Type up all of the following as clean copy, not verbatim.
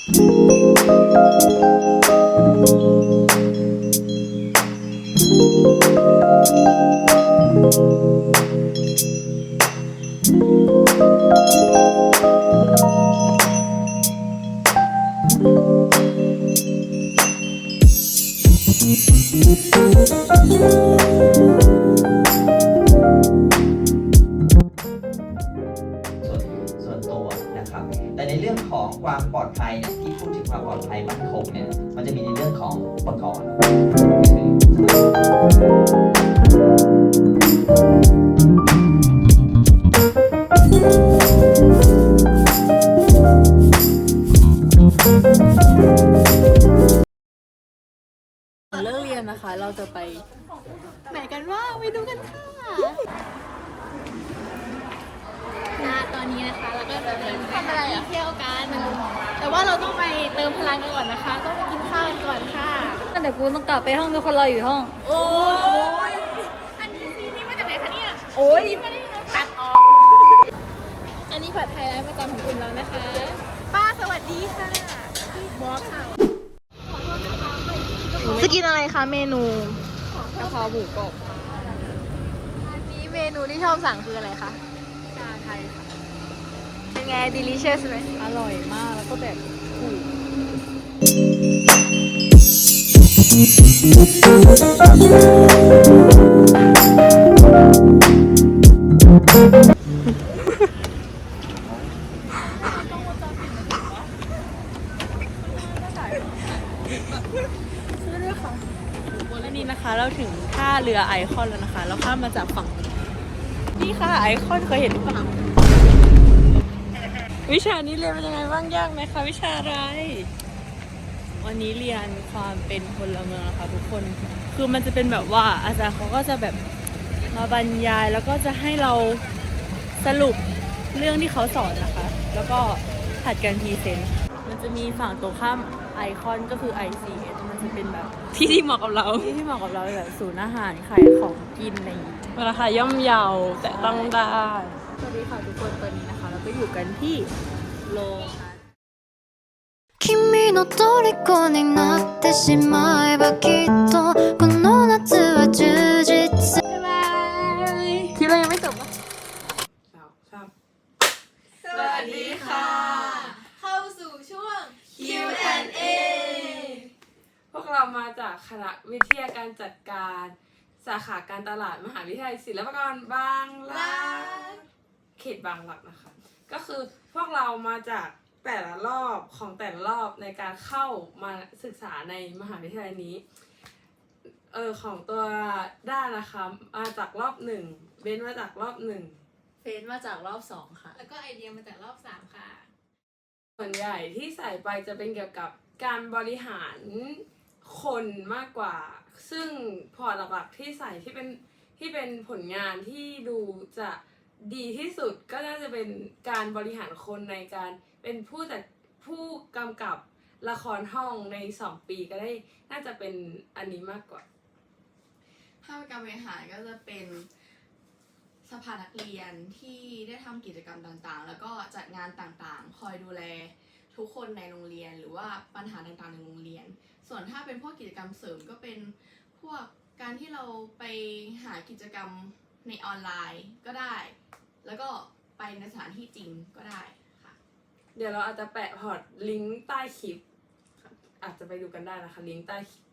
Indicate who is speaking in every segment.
Speaker 1: ส่วนตัวนะครับแต่ในเรื่องของความปลอดภัยเนี่ยที่พูดถึงความปลอดภัยมั่นคงเนี่ยมันจะมีในเรื่องของอุปกรณ์
Speaker 2: เลิกเรียนนะคะเราจะไปไหนกันว่างไปดูกันค่ะตอนนี้นะคะเราก็จะทำอะไรเที่ยวกันแต่ว่าเราต้องไปเติมพลังกันก่อนนะคะต้องไปกินข้าวกันก่อนค่ะแต่กูต้องกลับไปห้องทุกคนรออยู่ห้องโอ้ยอันนี้ซีนี่มาจากไหนคะเนี่ยโอ้ยไม่ได้ตัดออกอันนี้ผัดไทยร้านประจำของกลุ่มเรานะคะป้าสวัสดีค่ะบอสค่ะจะกินอะไรคะเมนูกะเพราหมูกรอบอันนี้เมนูที่ชอบสั่งคืออะไรคะชาไทยค่ะเป็นไง delicious ไหมอร่อยมากแล้วก็แบบถูกและนี่นะคะเราถึงท่าเรือไอคอนแล้วนะคะเราข้ามมาจากฝั่งนี่ค่ะไอคอนเคยเห็นหรือเปล่าวิชานี้เรียนเป็นยังไงบ้างยากไหมคะวิชาอะไรวันนี้เรียนความเป็นพลเมืองนะคะทุกคนคือมันจะเป็นแบบว่าอาจารย์เขาก็จะแบบมาบรรยายแล้วก็จะให้เราสรุปเรื่องที่เขาสอนนะคะแล้วก็ผัดกันพรีเซนต์มันจะมีฝั่งตรงข้ามไอคอนก็คือ ICS มันจะเป็นแบบที่เหมาะกับเราที่เหมาะกับเราแบบศูนย์อาหารขายของกินอะไรอย่างงี้ราคาย่อมเยาแต่ต้องได้สวัสดีค่ะทุกคนตอนนี้นะคะเราก็อยู่กันที่โลคัส
Speaker 3: 君の虜になってしまえばきっとこの夏は充実
Speaker 2: บ๊ายบายคลิปเรายังไม่จบอ่ะสวัสดีค่ะ เข้าสู่ช่วง Q&A
Speaker 4: พวกเรามาจากคณะวิทยาการจัดการสาขาการตลาดมหาวิทยาลัยศิลปากรบางรักเขตบางรักนะคะก็คือพวกเรามาจากแต่ละรอบของแต่ละรอบในการเข้ามาศึกษาในมหาวิทยาลัยนี้ของตัวด้านนะคะมาจากรอบ1เบนมาจากรอบ1
Speaker 2: เฟซมาจากรอบ2ค่ะ
Speaker 5: แล้วก็ไอเดียมาจากรอบ3ค่ะ
Speaker 4: ส่วนใหญ่ที่ใส่ไปจะเป็นเกี่ยวกับการบริหารคนมากกว่าซึ่งพอร์ตหลักๆที่ใส่ที่เป็นผลงานที่ดูจะดีที่สุดก็น่าจะเป็นการบริหารคนในการเป็นผู้กำกับละครห้องใน2 ปีก็ได้น่าจะเป็นอันนี้มากกว่า
Speaker 5: ถ้าเป็นการบริหารก็จะเป็นสภานักเรียนที่ได้ทำกิจกรรมต่างๆแล้วก็จัดงานต่างๆคอยดูแลทุกคนในโรงเรียนหรือว่าปัญหาต่างๆในโรงเรียนส่วนถ้าเป็นพวกกิจกรรมเสริมก็เป็นพวกการที่เราไปหากิจกรรมในออนไลน์ก็ได้แล้วก็ไปในสถานที่จริงก็ได้ค่ะ
Speaker 4: เดี๋ยวเราอาจจะแปะพอร์ตลิงก์ใต้คลิปอาจจะไปดูกันได้นะคะลิงก์ใต้คลิป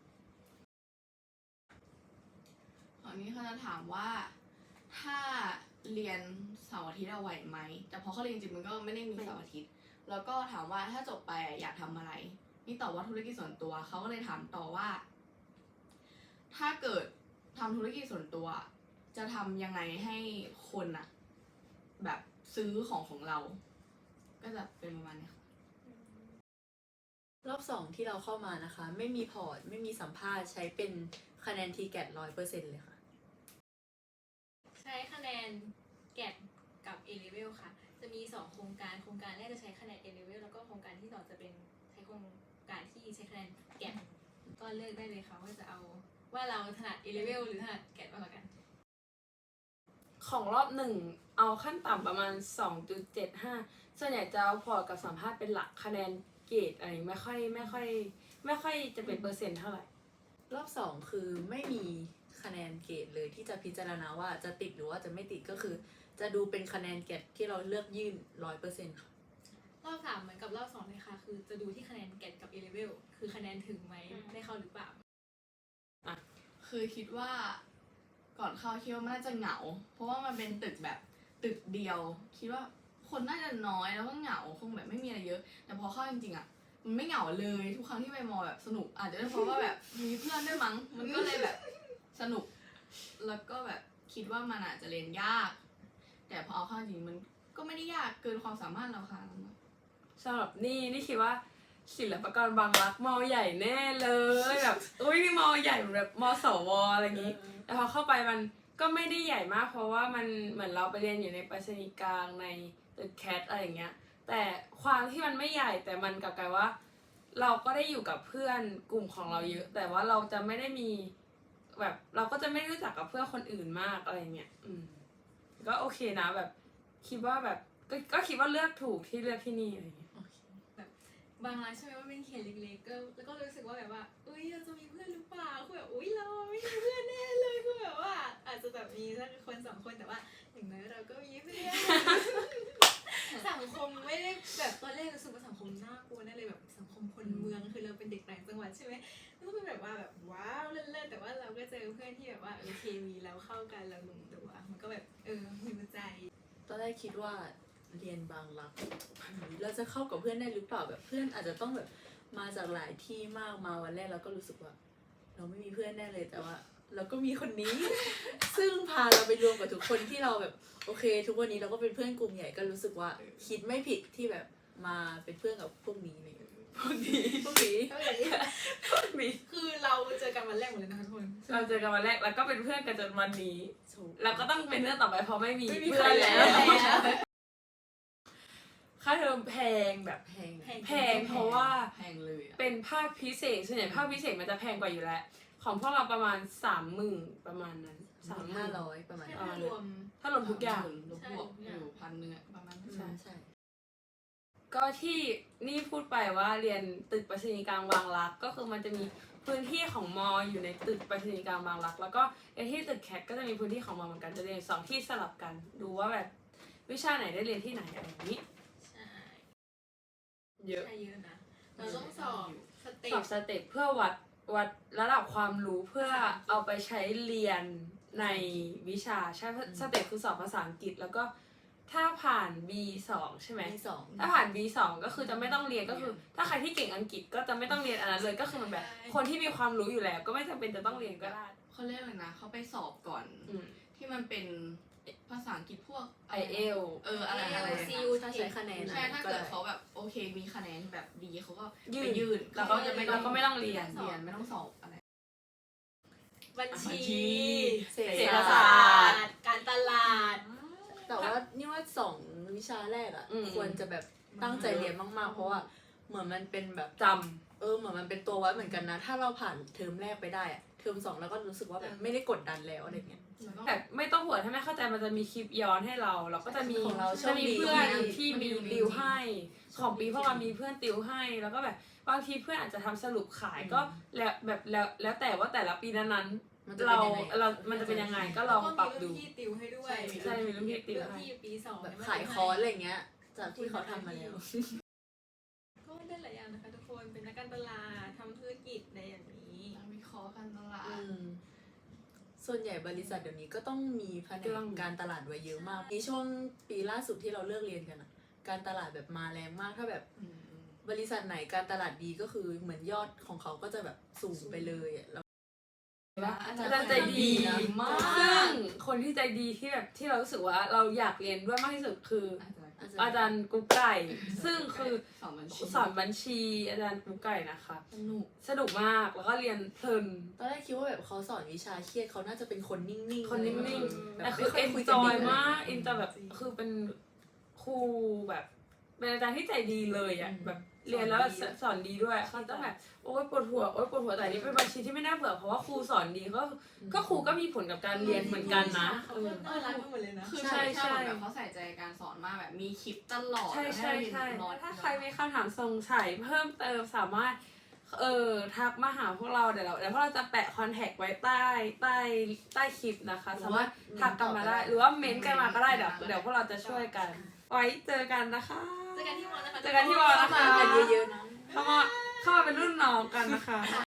Speaker 5: อันนี้เขาจะถามว่าถ้าเรียนเสาร์อาทิตย์เราไหวไหมแต่พอเขาเรียนจริงมันก็ไม่ได้มีเสาร์อาทิตย์แล้วก็ถามว่าถ้าจบไปอยากทำอะไรนี่ตอบว่าธุรกิจส่วนตัวเขาก็เลยถามต่อว่าถ้าเกิดทำธุรกิจส่วนตัวจะทำยังไงให้คนอะแบบซื้อของเราก็จะเป็นประมาณนี้ค่ะ
Speaker 2: รอบ2ที่เราเข้ามานะคะไม่มีพอร์ตไม่มีสัมภาษณ์ใช้เป็นคะแนน TGAT 100% เลยค่ะ
Speaker 6: ใช้คะแนนแกดกับ A-level ค่ะจะมี2โครงการแรกจะใช้คะแนน A-level แล้วก็โครงการที่2จะเป็นใช้โครงการที่ใช้คะแนนแกดก็เลือกได้เลยค่ะว่าจะเอาว่าเราถนัด A-level หรือถนัดแกดมากกว่ากัน
Speaker 4: ของรอบ1เอาขั้นต่ำประมาณ 2.75 ส่วนใหญ่จะเอาพอร์ตกับสัมภาษณ์เป็นหลักคะแนนเกรดอะไรไม่ค่อยจะเป็นเปอร์เซ็นต์เท่าไหร่
Speaker 2: รอบ 2คือไม่มีคะแนนเกรดเลยที่จะพิจารณาว่าจะติดหรือว่าจะไม่ติดก็คือ จะดูเป็นคะแนนเกรดที่เราเลือกยื่น 100%ค่ะ
Speaker 6: รอบ 3เหมือนกับรอบ 2เลยค่ะ คือจะดูที่คะแนนแกดกับ A level คือคะแนนถึงไหมได้เข้าหรือเปล่า
Speaker 5: คือคิดว่าก่อนเข้าคิดว่ามันน่าจะเหงา เพราะว่ามันเป็นตึกแบบตึกเดียว คิดว่าคนน่าจะน้อยแล้วก็เหงาคงแบบไม่มีอะไรเยอะ แต่พอเข้าจริงๆอ่ะมันไม่เหงาเลยทุกครั้งที่ไปมอแบบสนุกอาจจะเป็นเพราะว่าแบบมีเพื่อนด้วยมั้งมันก็เลยแบบสนุก แล้วก็แบบคิดว่ามันอาจจะเรียนยาก แต่พอเอาเข้าจริงมันก็ไม่ได้ยากเกินความสามารถเราค่ะ
Speaker 4: สำหรับนี่คิดว่าศิลปากรบางรักมอใหญ่แน่เลยแบบอุ้ยนี่มอใหญ่แบบมสวอะไรอย่างนี้แต่พอเข้าไปมันก็ไม่ได้ใหญ่มาก เพราะว่ามันเหมือนเราไปเรียนอยู่ในไปรษณีย์กลางในตึกแคทอะไรอย่างเงี้ยแต่ความที่มันไม่ใหญ่แต่มันกลับกลายว่า เราก็ได้อยู่กับเพื่อนกลุ่มของเราเยอะ แต่ว่าเราจะไม่ได้มีแบบเราก็จะไม่รู้จักกับเพื่อนคนอื่นมากอะไรเงี้ยก็โอเคนะแบบคิดว่าแบบก็คิดว่าเลือกถูกที่เลือกที่นี่อะไรเงี้ย
Speaker 6: บางร้านใช่ไหมว่าเป็นเขตเล็กๆก็แล้วก็รู้สึกว่าแบบว่าอุ้ยเราจะมีเพื่อนหรือเปล่าคือแบบอุ้ยเราไม่มีเพื่อนแน่เลยคือแบบว่า อาจจะแบบมีสักคนสองคนแต่ว่าอย่างน้อยเราก็มีเพื่อน สังคมไม่ได้แบบตอนแรกรู้สึกว่าสังคมน่ากลัวแน่เลยแบบสังคมคนเมืองคือเราเป็นเด็กต่างจังหวัดใช่ไหมก็เป็นแบบว่าแบบว้าวเล่นๆแต่ว่าเราก็เจอเพื่อนที่แบบว่าเคมีเราเข้ากันเราลงตัวมันก็แบบมีหัวใจ
Speaker 2: ตอนแรกคิดว่าเรียนบางรักเราจะเข้ากับเพื่อนได้หรือเปล่าแบบเพื่อนอาจจะต้องแบบมาจากหลายที่มากมาวันแรกเราก็รู้สึกว่า เราไม่มีเพื่อนแน่เลยแต่ว่า เราก็มีคนนี้ ซึ่งพาเราไปรวมกับทุกคนที่เราแบบโอเค ทุกวันนี้เราก็เป็นเพื่อนกลุ่มใหญ่ก็รู้สึกว่าคิดไม่ผิดที่แบบมาเป็นเพื่อนกับพวกนี้เลยพวกนี้
Speaker 6: คือเราเจอกันวันแรกหมดเลยนะคะทุกคน
Speaker 4: เราเจอกันวันแรกแล้วก็เป็นเพื่อนกันจนวันนี้ แล้วก็ต้องเป็นเพื่อนต่อไปเพราะไม่มี
Speaker 2: ไม่มี
Speaker 4: เพื่อน
Speaker 2: ใคร
Speaker 4: แล้ว
Speaker 2: แล้ว
Speaker 4: ค่าเทอมแพงแบบ
Speaker 2: แพง
Speaker 4: แพงเพราะว่า
Speaker 5: แพงเลยอะ
Speaker 4: เป็นภาคพิเศษส่วนใหญ่ภาคพิเศษมันจะแพงกว่าอยู่แล้ว ของพวกเราประมาณ30,000ประมาณนั้น
Speaker 2: 500ประมาณ
Speaker 6: ถ้ารวม
Speaker 4: ถ้ารวมทุกอย่าง
Speaker 5: ลบวกอยู่1,000อะประมาณนั้น
Speaker 2: ใช่
Speaker 4: ก็ที่นี่พูดไปว่าเรียนตึกไปรษณีย์กลางบางรักก็คือมันจะมีพื้นที่ของมออยู่ในตึกไปรษณีย์กลางบางรักแล้วก็ในที่ตึกแคทก็จะมีพื้นที่ของมอเหมือนกันจะเรียน2ที่สลับกัน ดูว่าแบบวิชาไหนได้เรียนที่ไหนอะไรอย่างนี้
Speaker 6: ใช่
Speaker 4: เยอะ
Speaker 6: ใช่เยอะนะ เราต้องสอบสเต็
Speaker 4: สอ
Speaker 6: ป
Speaker 4: บสเต็ปเพื่อวัดระดับความรู้เพื่อเอาไปใช้เรียนในวิชาใช่สเต็ปคือสอบภาษาอังกฤษแล้วก็ถ้าผ่าน B2 ใช่ไหม
Speaker 2: มีสอง
Speaker 4: ถ้าผ่าน B2 ก็คือจะไม่ต้องเรียนก็คือ ถ้าใครที่เก่งอังกฤษก็จะไม่ต้องเรียนอันนั้นเลยก็คือมันแบบ คนที่มีความรู้อยู่แล้ว ก็ไม่จำเป็นจะต้องเรียนก็ได้
Speaker 5: เขาเรียกอะไรนะเขาไปสอบก่อน
Speaker 4: อืม
Speaker 5: ที่มันเป็นภาษาอังกฤษพวก
Speaker 4: IELTS
Speaker 5: อะไร
Speaker 6: ซี
Speaker 5: นะ
Speaker 6: อู
Speaker 2: ถ้าใช้คะแนน
Speaker 5: ใช่ถ้าเกิดเขาแบบโอเคมีคะแนนแบบดีเขาก็
Speaker 4: ยื่
Speaker 5: ไป
Speaker 4: น
Speaker 5: ยื่น
Speaker 4: แล้วก็จะไม่เราก็ไม่ต้องเรียน
Speaker 5: เรียนไม่ต้องสอบอะไร
Speaker 6: บัญชี
Speaker 2: เศรษฐ
Speaker 4: เศรษฐ
Speaker 2: ศา
Speaker 4: ศา
Speaker 2: ส
Speaker 4: ส
Speaker 2: ต
Speaker 4: ตร์
Speaker 2: ร์
Speaker 6: การตลาด
Speaker 2: แต่ว่านี่ว่า2วิชาแรกอ่ะ
Speaker 4: อืม
Speaker 2: ควรจะแบบตั้งใจเรียนมากๆเพราะว่าเหมือนมันเป็นแบบ
Speaker 4: จ
Speaker 2: เหมือนมันเป็นตัววัดเหมือนกันนะ ถ้าเราผ่านเทอมแรกไปได้อะเทอม2แล้วก็รู้สึกว่าแบบไม่ได้กดดันแล้วอะไรเงี้ย
Speaker 4: ำแบบไม่ต้องห่วงถ้าไม่เข้าใจมันจะมีคลิปย้อนให้เรา เราก็จะมี
Speaker 2: ของเราโช
Speaker 4: จะ
Speaker 2: คดี
Speaker 4: มีเพื่อน
Speaker 2: มาก
Speaker 4: ที่มีติวให้ ของปีพวกเรามีเพื่อนติวให้ แล้วก็แบบบางทีเพื่อนอาจจะทำสรุปขายก็แล้วแบบแล้วแต่ว่าแต่ละปีนั้น
Speaker 2: มันจะ
Speaker 4: ๆ
Speaker 2: เป็
Speaker 4: เรา
Speaker 2: นยังไง
Speaker 4: มันจะเป็นยังไงก็ลองปรับดู
Speaker 6: ก็มีรุ่นพี่ติวให้ด้วย
Speaker 4: ใช่มีรุ่นพี่ติวให้
Speaker 6: รุ่นพี่ปีสอง
Speaker 2: แบบขายคอร์สอะไรเงี้ย จากที่เขาทำมาแล้ว
Speaker 6: ก็ได้หลายอย่างนะคะทุกคนเป็นนักการตลาดทำธุรกิจอะไรอย่างนี้
Speaker 5: นักวิเคราะห์การตลาด
Speaker 2: ส่วนใหญ่บริษัทเดี๋ยวนี้ก็ต้องมีแผน
Speaker 4: เรื่
Speaker 2: ก
Speaker 4: อง
Speaker 2: การตลาดไว้เยอะมากในช่วงปีล่าสุดที่เราเลิกเรียนกันอะการตลาดแบบมาแรงมากถ้าแบบบริษัทไหนการตลาดดีก็คือเหมือนยอดของเขาก็จะแบบสูงไปเลยอะแล้ว
Speaker 4: อาจารย์ใจดี
Speaker 5: มาก
Speaker 4: ซึ่งคนที่ใจดีที่แบบที่เรารู้สึกว่าเราอยากเรียนด้วยมากที่สุดคือ อาจารย์กุ๊กไก่ ซึ่งคือ
Speaker 5: สอนบัญชี
Speaker 4: สอนบัญชีอาจารย์กุ๊กไก่นะคะ
Speaker 5: สนุก
Speaker 4: มากแล้วก็เรียนเพลิน
Speaker 2: ตอนแรกคิดว่าแบบเขาสอนวิชาเครียดเขาน่าจะเป็นคนนิ่งๆ
Speaker 4: คนนิ่ง
Speaker 2: แบ
Speaker 4: ๆแต่
Speaker 2: บ
Speaker 4: คือ
Speaker 2: ไม่
Speaker 4: เอน
Speaker 2: ยคุย
Speaker 4: จอย
Speaker 2: ดี
Speaker 4: มากเอนจอยแบบคือเป็นครูแบบเป็นอาจารย์ที่ใจดีเลยอ่ะแบบเรียนแล้วสอนดีด้วยเขาต้องแบบโอ๊ยปวดหัวแต่อันนี้เป็นบัญชีที่ไม่น่าเบื่อเพราะว่าครูสอนดีก็ครูก็มีผลกับการเรียนเหมือนกันนะ
Speaker 6: เขาก็น่ารักกันหมดเลยนะ
Speaker 5: คือ
Speaker 4: ใช่
Speaker 5: ใช่
Speaker 4: ใช่
Speaker 5: แบบเขาใส่ใจการสอนมากแบบมีคลิปตลอด
Speaker 4: ใช่
Speaker 5: ห้เราเรียนน้อย
Speaker 4: ถ้าใครมีคำถามสงสัยเพิ่มเติมสามารถทักมาหาพวกเราเดี๋ยวพวกเราจะแปะคอนแทคไว้ใต้คลิปนะคะ สามารถทักกันมาได้ หรือว่าเม้นต์กันมาก็ได้เดี๋ยวพวกเราจะช่วยกัน ไว้เจอกันนะคะ
Speaker 6: เจอกันที่มอนะคะ
Speaker 4: เจอกันที่มอนะคะ
Speaker 6: เข้ามากันเยอะๆนะ
Speaker 4: เข้ามาเป็นรุ่นน้องกันนะคะ